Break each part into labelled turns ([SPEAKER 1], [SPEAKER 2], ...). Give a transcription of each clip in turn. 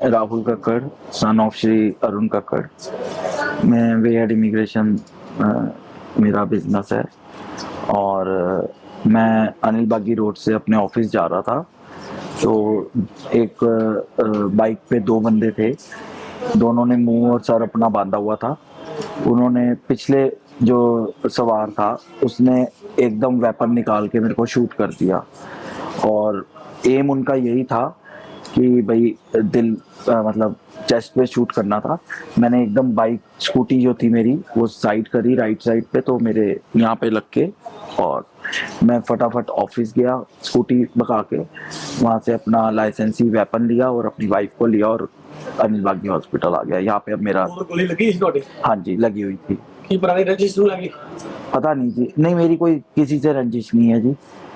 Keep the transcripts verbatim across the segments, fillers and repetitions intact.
[SPEAKER 1] Rahul Kakkar, son of Shri Arun Kakkar. मैं वे head immigration मेरा बिजनेस है और अ, मैं अनिल बागी रोड से अपने ऑफिस जा रहा था। तो एक अ, बाइक पे दो बंदे थे, दोनों ने मुंह और सर अपना बांधा हुआ था। उन्होंने पिछले जो सवार था उसने एकदम वेपन निकाल के मेरे को शूट कर दिया और एम उनका यही था कि भाई दिल अ, मतलब चेस्ट पे शूट करना था। मैंने एकदम बाइक स्कूटी जो थी मेरी वो साइड करी राइट साइड पे, तो मेरे यहाँ पे लग के और मैं फटाफट ऑफिस गया स्कूटी भगा के। वहाँ से अपना लाइसेंसी वेपन लिया और अपनी वाइफ को लिया और अनिल बागी हॉस्पिटल आ गया। यहाँ पे अब मेरा
[SPEAKER 2] और गोली लगी इस ਤੁਹਾਡੇ
[SPEAKER 1] हाँ जी लगी हुई थी।
[SPEAKER 2] ਕੀ ਪੁਰਾਣੀ ਰੰਜਿਸ਼ ਨੂੰ ਲੱਗੀ
[SPEAKER 1] पता नहीं जी, नहीं मेरी कोई किसी से रंजिश नहीं है जी,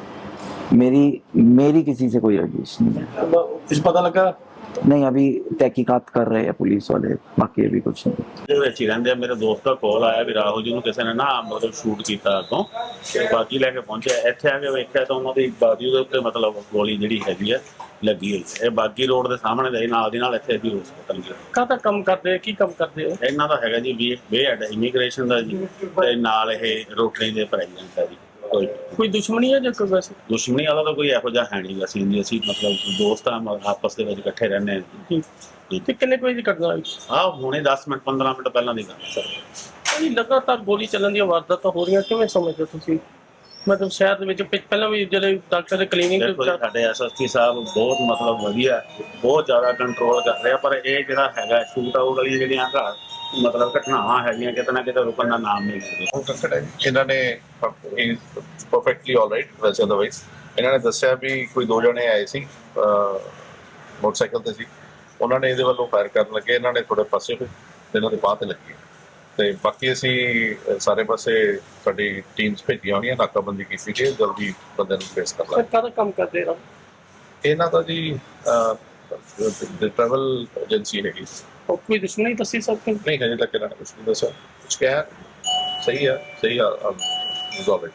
[SPEAKER 1] मेरी मेरी किसी से कोई रंजिश नहीं है।
[SPEAKER 2] ਕੁਝ ਪਤਾ ਲੱਗਾ
[SPEAKER 1] नहीं अभी तहकीकात कर रहे हैं पुलिस वाले, बाकी अभी कुछ नहीं।
[SPEAKER 3] ਦੇ ਵਿੱਚ ਹੀ ਰਹਿੰਦੇ ਆ। ਮੇਰੇ ਦੋਸਤ ਦਾ ਕਾਲ ਆਇਆ ਵੀ ਰਾਹੁਲ ਜੀ ਨੂੰ ਕਿਸੇ ਨੇ ਨਾ ਮਤਲਬ ਸ਼ੂਟ ਕੀਤਾ ਅੱਗੋਂ, ਤੇ ਬਾਗੀ ਲੈ ਕੇ ਪਹੁੰਚਿਆ। ਇੱਥੇ ਆ ਕੇ ਵੇਖਿਆ ਤਾਂ ਉਹਨਾਂ ਦੀ ਬਾਗੀ ਦੇ ਉੱਤੇ ਮਤਲਬ ਗੋਲੀ ਜਿਹੜੀ ਹੈਗੀ ਆ ਲੱਗੀ ਹੋਈ ਹੈ। ਇਹ ਬਾਗੀ ਰੋਡ ਦੇ ਸਾਹਮਣੇ ਦੇ ਨਾਲ ਦੀ ਨਾਲ ਇੱਥੇ ਵੀ ਹਸਪਤਾਲ ਗਿਆ।
[SPEAKER 2] ਕਾਹਦਾ ਕੰਮ ਕਰਦੇ ਕੀ ਕੰਮ ਕਰਦੇ ਹੋ
[SPEAKER 3] ਇਹਨਾਂ ਦਾ ਹੈਗਾ ਜੀ ਵੀ ਵੇ ਹੈਡ ਇਮੀਗ੍ਰੇਸ਼ਨ ਦਾ ਜੀ, ਤੇ ਨਾਲ ਇਹ ਰੋਟਰੀ ਦੇ ਪ੍ਰੈਜ਼ੀਡੈਂਟ ਹੈ ਜੀ। ਕੋਈ
[SPEAKER 2] ਕੋਈ ਦੁਸ਼ਮਣੀ ਹੈ ਜਾਂ ਕੋਈ ਵੈਸੇ
[SPEAKER 3] ਦੁਸ਼ਮਣੀ ਵਾਲਾ ਤਾਂ ਕੋਈ ਇਹੋ ਜਿਹਾ ਹੈ ਨਹੀਂ। ਅਸੀਂ ਜੀ ਅਸੀਂ ਮਤਲਬ ਦੋਸਤ ਆ, ਆਪਸ ਦੇ ਵਿੱਚ ਇਕੱਠੇ ਰਹਿੰਦੇ ਹਾਂ।
[SPEAKER 2] ਤੇ ਕਿੰਨੇ ਕੋਈ ਦੀ ਘਟਨਾ ਹੋਈ
[SPEAKER 3] ਆਹ ਹੁਣੇ ਦਸ ਮਿੰਟ ਪੰਦਰਾਂ ਮਿੰਟ ਪਹਿਲਾਂ ਦੀ ਗੱਲ ਸਰ।
[SPEAKER 2] ਇਹ ਲਗਾਤਾਰ ਗੋਲੀ ਚੱਲਣ ਦੀਆਂ ਵਾਰਦਾਤਾਂ ਹੋ ਰਹੀਆਂ, ਕਿਵੇਂ ਸਮਝਦੇ ਹੋ ਤੁਸੀਂ? ਮਤਲਬ ਸ਼ਹਿਰ ਦੇ ਵਿੱਚ ਪਿ- ਪਹਿਲਾਂ ਵੀ ਜਿਹੜੇ ਡਾਕਟਰ ਦੇ ਕਲੀਨਿਕ
[SPEAKER 3] ਦੇਖੋ ਜੀ, ਸਾਡੇ ਐਸਐਸਪੀ ਸਾਹਿਬ ਬਹੁਤ ਮਤਲਬ ਵਧੀਆ, ਬਹੁਤ ਜ਼ਿਆਦਾ ਕੰਟਰੋਲ ਕਰ ਰਿਹਾ, ਪਰ ਇਹ ਜਿਹੜਾ ਹੈਗਾ ਸ਼ੂਟ ਆਊਟ ਵਾਲੀਆਂ ਜਿਹੜੀਆਂ ਘਰ ਮਤਲਬ ਘਟਨਾਵਾਂ ਹੈਗੀਆਂ ਕਿਤੇ ਨਾ ਕਿਤੇ ਰੁਕਣ ਦਾ ਨਾਮ ਨਹੀਂ ਲੈਂਦੇ।
[SPEAKER 4] ਉਹ ਕੱਕੜ ਹੈ ਜੀ। ਇਹਨਾਂ ਨੇ ਪਰਫੈਕਟਲੀ ਆਲਰਾਈਟ ਵੈਸੇ ਅਦਰਵਾਈਜ਼ ਇਹਨਾਂ ਨੇ ਦੱਸਿਆ ਵੀ ਕੋਈ ਦੋ ਜਣੇ ਆਏ ਸੀ ਅਹ, ਮੋਟਰਸਾਈਕਲ ਤੇ ਸੀ। ਉਹਨਾਂ ਨੇ ਇਹਦੇ ਵੱਲੋਂ ਫਾਇਰ ਕਰਨ ਲੱਗੇ, ਇਹਨਾਂ ਨੇ ਥੋੜੇ ਪਾਸੇ ਹੋਏ ਤੇ ਇਹਨਾਂ ਦੇ ਬਾਹ ਤੇ ਲੱਗੀ। ਤੇ ਬਾਕੀ ਅਸੀਂ ਅਹ, ਸਾਰੇ ਪਾਸੇ ਸਾਡੀ ਟੀਮਸ ਭੇਜੀਆਂ ਹੋਈਆਂ, ਨਾਕਾਬੰਦੀ ਕੀਤੀ ਕਿ ਜਲਦੀ ਬੰਦੇ ਨੂੰ ਫੇਸ ਕਰ ਲਾਂਗੇ।
[SPEAKER 2] ਕਾਹਦਾ ਕੰਮ ਕਰਦੇ ਹੋ?
[SPEAKER 4] ਇਹਨਾਂ ਦਾ ਜੀ ਟਰੈਵਲ ਏਜੰਸੀ ਹੈਗੀ।
[SPEAKER 2] ਉਹ ਕੋਈ ਦੁਸ਼ਮਣੀ ਦੱਸੀ ਸਕਦੇ
[SPEAKER 4] ਨਹੀਂ ਹਜੇ ਤੱਕ ਇਹਨਾਂ ਨੇ ਕੁਛ ਨਹੀਂ ਦੱਸਿਆ। ਕੁਛ ਕਿਹਾ ਸਹੀ ਆ, ਸਹੀ ਆ,